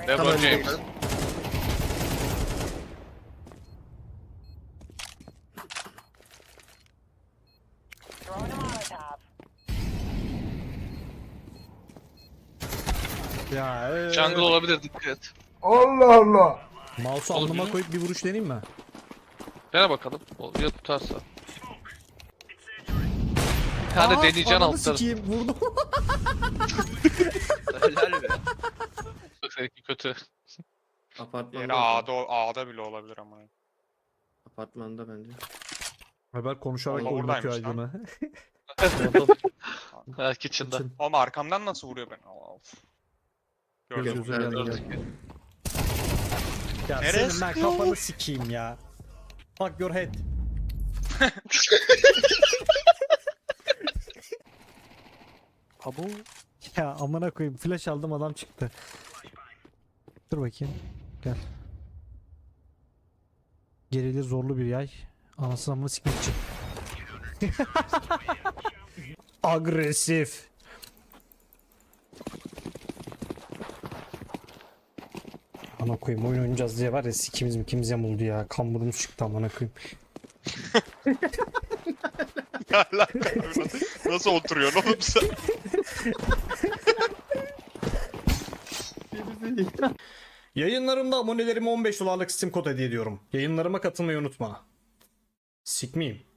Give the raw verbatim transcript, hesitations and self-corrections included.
LeBron James. Ya ee. Jungle olabilir, dikkat et. Allah Allah. Mouse'u Olur alnıma mu? koyup bir vuruş deneyim mi? Dene bakalım. O ya tutarsa. Bir tane deneyeceksin ananı altları. sikeyim vurdum. Helal be. Seninki kötü. Apartmanda. Diğeri o zaman. A'da, A'da bile olabilir ama. Apartmanda bence. Haber konuşarak Allah oynatıyor oradaymış lan. Aydın'ı. Ha, kitchen'da. Oğlum arkamdan nasıl vuruyor beni? Of. Gördüm. Gözümüze geldi. Gördük. Ya Nereye senin ben kafanı sikeyim ya. Fuck your head. Abo. Ya amına koyayım flash aldım adam çıktı. Dur bakayım. Gel. Gerili zorlu bir yay. Anasını amına sikmek için. Agresif. Ana koyayım oyun oynayacağız diye var ya sikimiz mi kimiz yamuldu ya. Kan burnumuz çıktı amına koyayım. Nasıl oturuyorsun oğlum sen? Yayınlarımda abonelerime on beş dolarlık Steam kod hediye ediyorum. Yayınlarıma katılmayı unutma. Sikmeyeyim.